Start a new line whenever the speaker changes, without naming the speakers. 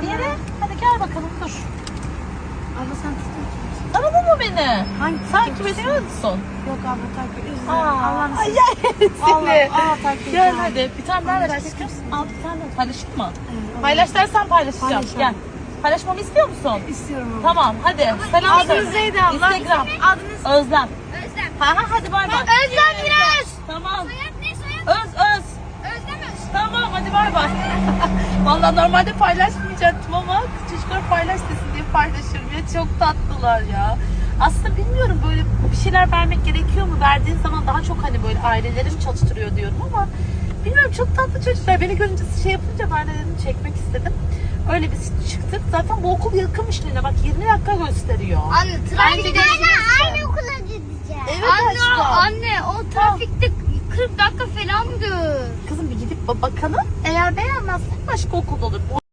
bana.
Bir yere. Hadi gel bakalım dur.
Abla sen tutuyor musun?
Tanıdın mı beni?
Hangi
Takip ediyor musun?
Yok abla takip ediyorsun.
Allah'ım
Allah'ım
seni.
Allah takip
Gel
edeceğim.
hadi. Bir tane daha
Hadi
paylaş.
başlayalım.
Al bir tane daha. Paylaşayım mı?
Evet,
Paylaş dersen paylaşacağım.
Paylaşalım.
Gel. Paylaşmamı istiyor musun?
İstiyorum abla.
Tamam hadi. Selam
Adınız
söyle.
neydi abla?
Instagram.
Adınız
Özlem.
Özlem.
Ha hadi bay bay.
Özlem Biraz.
Tamam.
Soyad ne soyad?
Öz.
Özlem Öz.
Tamam hadi bay bay. Vallahi normalde paylaşmayacaktım ama çocuklar paylaş desin diye paylaşıyorum ya, çok tatlılar ya. Aslında bilmiyorum, böyle bir şeyler vermek gerekiyor mu? Verdiğin zaman daha çok hani böyle ailelerim çalıştırıyor diyorum ama bilmiyorum, çok tatlı çocuklar. Beni görünce şey yapınca ben de dedim çekmek istedim. Öyle biz çıktık. Zaten bu okul yakınmış Lina. Bak 20 dakika gösteriyor.
Anne trafikte
aynı
okula gideceğiz. Evet
aşkım.
anne o trafikte 40 dakika falandı.
Kızım bir gidip bakalım. Eğer beğenmezsen başka okul olur.